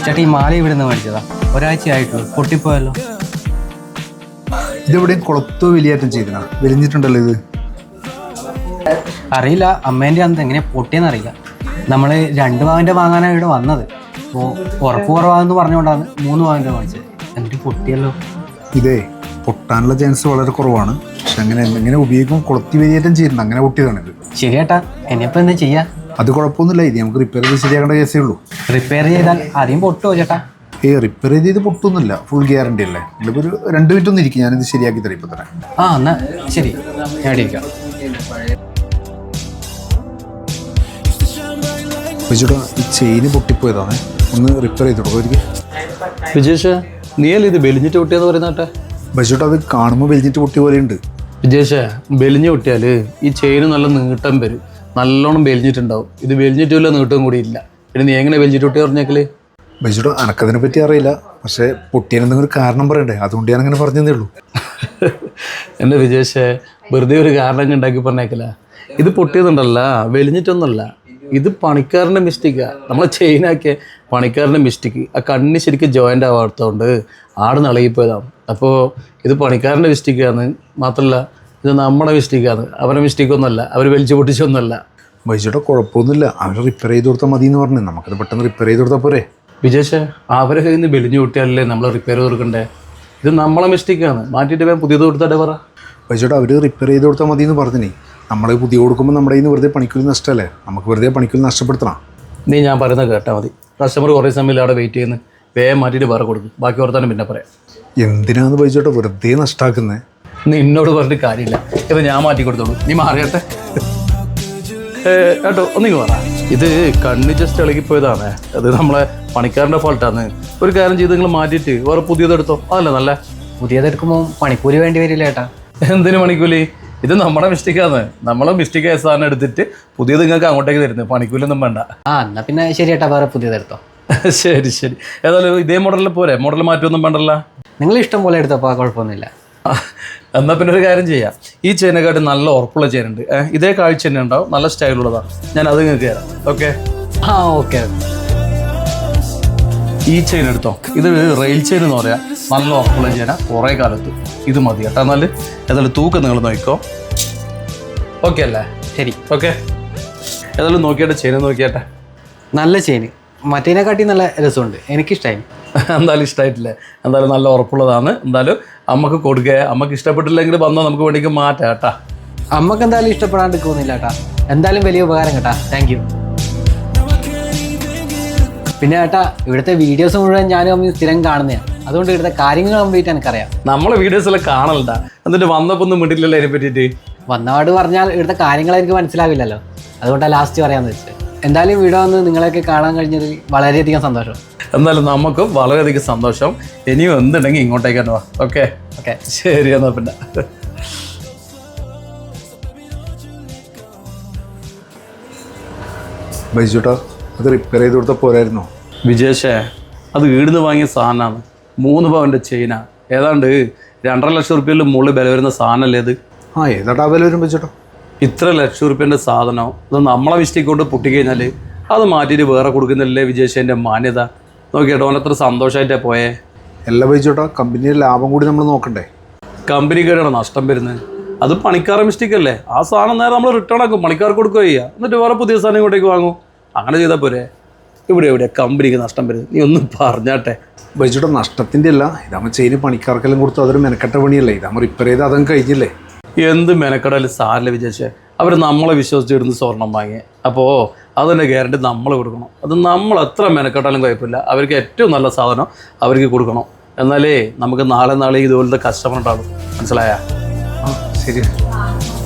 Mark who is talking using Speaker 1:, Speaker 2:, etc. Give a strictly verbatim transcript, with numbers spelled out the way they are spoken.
Speaker 1: ചേട്ടാ ഈ മാല ഇവിടെ നിന്ന് മേടിച്ചതാ, ഒരാഴ്ചയായിട്ടുള്ളൂ, പൊട്ടിപ്പോയല്ലോ.
Speaker 2: ഇതെവിടെയും കുളത്തോ വലിയേറ്റം ചെയ്തനാ, വലിഞ്ഞിട്ടുണ്ടല്ലോ ഇത്.
Speaker 1: അറിയില്ല, അമ്മേൻ്റെ അന്ന് എങ്ങനെ പൊട്ടിയെന്ന് അറിയില്ല. നമ്മൾ രണ്ട് പവൻ്റെ വാങ്ങാനാണ് ഇവിടെ വന്നത്. അപ്പോൾ ഉറപ്പ് കുറവാന്ന് പറഞ്ഞുകൊണ്ടാണ് മൂന്ന് പവൻ്റെ വാങ്ങിച്ചത്. എന്നിട്ട് പൊട്ടിയല്ലോ.
Speaker 2: ഇതേ പൊട്ടാനുള്ള ചാൻസ് വളരെ കുറവാണ്, പക്ഷെ അങ്ങനെ എങ്ങനെ ഉപയോഗിക്കും കുളത്തി വലിയേറ്റം ചെയ്യുന്നുണ്ട്, അങ്ങനെ പൊട്ടിയതാണിത്.
Speaker 1: ശരിയേട്ടാ, ഇനിയിപ്പോൾ എന്താ ചെയ്യാ?
Speaker 2: അത് കുഴപ്പമൊന്നുമില്ല, ഇത് നമുക്ക് റിപ്പയർ ചെയ്ത് ശരിയാക്കേണ്ട കേസേ ഉള്ളൂ.
Speaker 1: റിപ്പയർ ചെയ്താൽ ആദ്യം പൊട്ടുമോ ചേട്ടാ?
Speaker 2: ഏ റിപ്പയർ ചെയ്ത് പൊട്ടൊന്നുമില്ല, ഫുൾ ഗ്യാരണ്ടി അല്ലേ. ഇതിപ്പോൾ ഒരു രണ്ട് മിനിറ്റ് ഒന്നും ഇരിക്കും, ഞാനിത് ശരിയാക്കി തരാം ഇപ്പം തന്നെ.
Speaker 1: ആ എന്നാ ശരി, ഞാൻ ഇരിക്കാം.
Speaker 2: ചേട്ടാ ഈ ചെയിന് പൊട്ടിപ്പോയതാണ്, ഒന്ന് റിപ്പയർ ചെയ്ത് കൊടുക്കും ഒരിക്കൽ.
Speaker 3: വിജേഷ്, നീയല്ലേ ഇത് ബെലിഞ്ഞിട്ട് പൊട്ടിയെന്ന് പറയുന്നേട്ടെ?
Speaker 2: ബജോട്ട് അത് കാണുമ്പോൾ വലിഞ്ഞിട്ട് പൊട്ടിയ പോലെയുണ്ട്.
Speaker 3: വിജേഷ്, ബെലിഞ്ഞ് പൊട്ടിയാൽ ഈ ചെയിന് നല്ല നീട്ടം വരും, നല്ലോണം ബെലിഞ്ഞിട്ടുണ്ടാവും. ഇത് ബെലിഞ്ഞിട്ടില്ല, നീട്ടവും കൂടി ഇല്ല. പിന്നെ നീ എങ്ങനെ ബെലിഞ്ഞിട്ട് പൊട്ടിയ പറഞ്ഞേക്കല്?
Speaker 2: ബജോട്ട് എനക്കതിനെ പറ്റി അറിയില്ല, പക്ഷേ പൊട്ടിയനെന്തെങ്കിലും ഒരു കാരണം പറയണ്ടേ, അതുകൊണ്ട് ഞാൻ അങ്ങനെ പറഞ്ഞതേ ഉള്ളൂ.
Speaker 3: എൻ്റെ വിജേഷ്, വെറുതെ ഒരു കാരണം ഉണ്ടാക്കി പറഞ്ഞേക്കല. ഇത് പൊട്ടിയതുണ്ടല്ല, വെലിഞ്ഞിട്ടൊന്നുമല്ല, ഇത് പണിക്കാരൻ്റെ മിസ്റ്റേക്കാണ്. നമ്മളെ ചെയിനാക്കിയ പണിക്കാരൻ്റെ മിസ്റ്റേക്ക്. ആ കണ്ണി ശരിക്കും ജോയിൻ്റ് ആവാത്തതുകൊണ്ട് ആട് നിളകിപ്പോയതാണ്. അപ്പോൾ ഇത് പണിക്കാരൻ്റെ മിസ്റ്റേക്കാണ്, മാത്രമല്ല ഇത് നമ്മുടെ മിസ്റ്റേക്കാണ്, അവരുടെ മിസ്റ്റേക്കൊന്നുമല്ല, അവർ വലിച്ചു പൊട്ടിച്ചൊന്നുമല്ല.
Speaker 2: ബൈജോട്ടെ കുഴപ്പമൊന്നുമില്ല, അവർ റിപ്പയർ ചെയ്ത് കൊടുത്താൽ മതി എന്ന് പറഞ്ഞു, നമുക്കത് പെട്ടെന്ന് റിപ്പയർ ചെയ്ത് കൊടുത്താൽ പോരെ.
Speaker 3: വിജേഷ്, അവരെ കയ്യിൽ നിന്ന് ബെലിഞ്ഞു പൊട്ടിയാലല്ലേ നമ്മൾ റിപ്പയർ ചെയ്ത് കൊടുക്കണ്ടേ? ഇത് നമ്മളെ മിസ്റ്റേക്കാണ്, മാറ്റിയിട്ട് വേഗം പുതിയത് കൊടുത്താലേ പറ.
Speaker 2: ബൈജോട്ടെ അവർ റിപ്പയർ ചെയ്ത് കൊടുത്താൽ മതി എന്ന് പറഞ്ഞിനി, നമ്മൾ പുതിയ കൊടുക്കുമ്പോൾ നമ്മുടെ കയ്യിൽ നിന്ന് വെറുതെ പണിക്കൂലി നഷ്ടമല്ലേ, നമുക്ക് വെറുതെ പണിക്കൂലി നഷ്ടപ്പെടുത്തണം.
Speaker 3: നീ ഞാൻ പറയുന്നത് കേട്ടാൽ മതി. കസ്റ്റമർ കുറേ സമയം അവിടെ വെയിറ്റ് ചെയ്യുന്നു, വേഗം മാറ്റിയിട്ട് വേറെ കൊടുക്കും, ബാക്കി ഓർത്താനും പിന്നെ പറയാം.
Speaker 2: എന്തിനാന്ന് ബൈജോട്ടെ വെറുതെ നഷ്ടമാക്കുന്നത്?
Speaker 3: നീ എന്നോട് പറഞ്ഞിട്ട് കാര്യമില്ല, ഇത് ഞാൻ മാറ്റി കൊടുത്തോളൂ, നീ മാറിയട്ടെ കേട്ടോ. ഒന്നിങ്ങ് പറ, ഇത് കണ്ണ് ജസ്റ്റ് ഇളകിപ്പോയതാണ്, അത് നമ്മളെ പണിക്കാരൻ്റെ ഫോൾട്ടാണ്. ഒരു കാര്യം ചെയ്ത് നിങ്ങൾ മാറ്റിയിട്ട് വേറെ പുതിയതെടുത്തോ, അതല്ല നല്ല.
Speaker 1: പുതിയതെടുക്കുമ്പോൾ പണിക്കൂലി വേണ്ടി വരില്ല ചേട്ടാ?
Speaker 3: എന്തിനു പണിക്കൂലി? ഇത് നമ്മുടെ മിസ്റ്റേക്കാണ്, നമ്മളെ മിസ്റ്റേക്ക് ആയ സാധനം എടുത്തിട്ട് പുതിയത് നിങ്ങൾക്ക് അങ്ങോട്ടേക്ക് തരുന്നത്, പണിക്കൂലൊന്നും വേണ്ട.
Speaker 1: ആ എന്നാ പിന്നെ ശരി ചേട്ടാ, വേറെ പുതിയതെടുത്തോ.
Speaker 3: ശരി ശരി, ഏതായാലും ഇതേ മോഡലിൽ പോരെ, മോഡൽ മാറ്റമൊന്നും വേണ്ടല്ല.
Speaker 1: നിങ്ങൾ ഇഷ്ടം പോലെ എടുത്തപ്പോൾ കുഴപ്പമൊന്നുമില്ല.
Speaker 3: എന്നാൽ പിന്നെ ഒരു കാര്യം ചെയ്യാം, ഈ ചെയിനെക്കാട്ട് നല്ല ഉറപ്പുള്ള ചെയിൻ ഉണ്ട്, ഇതേ കാഴ്ച തന്നെ ഉണ്ടാവും, നല്ല സ്റ്റൈലുള്ളതാണ്, ഞാൻ അത് നിങ്ങൾക്ക് തരാം. ഓക്കെ?
Speaker 1: ആ ഓക്കെ.
Speaker 3: ഈ ചെയിൻ എടുത്തോ, ഇത് റെയിൽ ചെയിൻ എന്ന് പറയാം, നല്ല ഉറപ്പുള്ള ചെയിന, കുറേ കാലത്ത് ഇത് മതി കേട്ടോ. എന്നാൽ ഏതായാലും തൂക്കം നിങ്ങൾ നോക്കിക്കോ, ഓക്കെ അല്ലേ?
Speaker 1: ശരി
Speaker 3: ഓക്കെ, ഏതായാലും നോക്കിയാട്ടെ, ചെയിൻ നോക്കിയാട്ടെ.
Speaker 1: നല്ല ചെയിന്, മറ്റേതിനെക്കാട്ടി നല്ല രസമുണ്ട്, എനിക്കിഷ്ടമായി.
Speaker 3: എന്തായാലും ഇഷ്ടമായിട്ടില്ലേ? എന്തായാലും നല്ല ഉറപ്പുള്ളതാണ്. എന്തായാലും അമ്മക്ക് കൊടുക്കുക, അമ്മക്ക് ഇഷ്ടപ്പെട്ടില്ലെങ്കിൽ വന്നാൽ നമുക്ക് വേണ്ടിക്ക് മാറ്റാം കേട്ടാ.
Speaker 1: അമ്മക്ക് എന്തായാലും ഇഷ്ടപ്പെടാണ്ട് പോകുന്നില്ല കേട്ടാ. എന്തായാലും വലിയ ഉപകാരം കേട്ടാ, താങ്ക് യു. പിന്നെ ചേട്ടാ, ഇവിടുത്തെ വീഡിയോസ് മുഴുവൻ ഞാനും അമ്മയും സ്ഥിരം കാണുന്നതാണ്, അതുകൊണ്ട് ഇവിടുത്തെ കാര്യങ്ങൾ കംപ്ലീറ്റ് എനിക്കറിയാം.
Speaker 3: നമ്മളെ വീഡിയോസെല്ലാം കാണലുണ്ടാ, എന്നിട്ട് വന്നപ്പോൾ ഒന്നും മിണ്ടില്ലല്ലോ അതിനെ പറ്റിയിട്ട്.
Speaker 1: വന്നപാട് പറഞ്ഞാൽ ഇവിടുത്തെ കാര്യങ്ങൾ എനിക്ക് മനസ്സിലാവില്ലല്ലോ, അതുകൊണ്ടാണ് ലാസ്റ്റ് പറയാമെന്ന് വെച്ചത്. എന്തായാലും വീഡിയോ വന്ന് നിങ്ങളെയൊക്കെ കാണാൻ കഴിഞ്ഞതിൽ വളരെയധികം സന്തോഷം.
Speaker 3: എന്നാലും നമുക്കും വളരെയധികം സന്തോഷം. ഇനിയും എന്തുണ്ടെങ്കിൽ ഇങ്ങോട്ടേക്ക് തന്നെ വാ. ഓക്കെ
Speaker 1: ഓക്കെ
Speaker 3: ശരി, എന്നാൽ പിന്നെ.
Speaker 2: ബൈജോട്ടാ അത് റിപ്പയർ ചെയ്ത് കൊടുത്താൽ പോരായിരുന്നോ?
Speaker 3: വിജേഷേ, അത് ഈടുന്ന് വാങ്ങിയ സാധനമാണ്, മൂന്ന് പവൻ്റെ ചെയിനാ, ഏതാണ്ട് രണ്ടര ലക്ഷം റുപ്യയിൽ മുകളിൽ വില വരുന്ന സാധനമല്ലേ അത്?
Speaker 2: ആ ഏതാട്ടാ വില വരും ബൈജോട്ടാ?
Speaker 3: ഇത്ര ലക്ഷം റുപ്യൻ്റെ സാധനം അത് നമ്മളെ മിസ്റ്റേക്ക് കൊണ്ട് പൊട്ടിക്കഴിഞ്ഞാൽ അത് മാറ്റിയിട്ട് വേറെ കൊടുക്കുന്നില്ലേ വിജേഷേൻ്റെ മാന്യത? നോക്കിയേട്ടോ, ഓൻ എത്ര സന്തോഷമായിട്ടാണ് പോയേ.
Speaker 2: എല്ലാ ബൈജോട്ടാ, കമ്പനിയുടെ ലാഭം കൂടി നമ്മൾ നോക്കണ്ടേ?
Speaker 3: കമ്പനിക്കാരാണ് നഷ്ടം വരുന്നത്, അത് പണിക്കാരുടെ മിസ്റ്റേക്ക് അല്ലേ? ആ സാധനം നേരെ നമ്മൾ റിട്ടേൺ ആക്കും, പണിക്കാർക്ക് കൊടുക്കുക ചെയ്യുക, എന്നിട്ട് വേറെ പുതിയ സാധനം ഇങ്ങോട്ടേക്ക് വാങ്ങും, അങ്ങനെ ചെയ്താൽ പോരെ. ഇവിടെ എവിടെയാണ് കമ്പനിക്ക് നഷ്ടം വരുന്നത്? നീ ഒന്നും പറഞ്ഞാട്ടെ.
Speaker 2: ബൈജോട്ടാ നഷ്ടത്തിൻ്റെ അല്ല, ഇതാകുമ്പോൾ ചെയിന് പണിക്കാർക്കെല്ലാം കൊടുത്തു, അതൊരു മെനക്കെട്ട പണിയല്ലേ, ഇതാകുമ്പോൾ റിപ്പയർ ചെയ്ത് അതങ്ങ് കഴിഞ്ഞില്ലേ.
Speaker 3: എന്ത് മെനക്കടല് സാറിൽ വിചാരിച്ചേ, അവർ നമ്മളെ വിശ്വസിച്ചിടുന്ന് സ്വർണം വാങ്ങി, അപ്പോൾ അതിൻ്റെ ഗ്യാരണ്ടി നമ്മൾ കൊടുക്കണം. അത് നമ്മൾ എത്ര മെനക്കെട്ടാലും കുഴപ്പമില്ല, അവർക്ക് ഏറ്റവും നല്ല സാധനം അവർക്ക് കൊടുക്കണം, എന്നാലേ നമുക്ക് നാളെ നാളെ ഇതുപോലത്തെ കസ്റ്റമർ ഉണ്ടാകും. മനസ്സിലായ?
Speaker 2: ആ ശരി.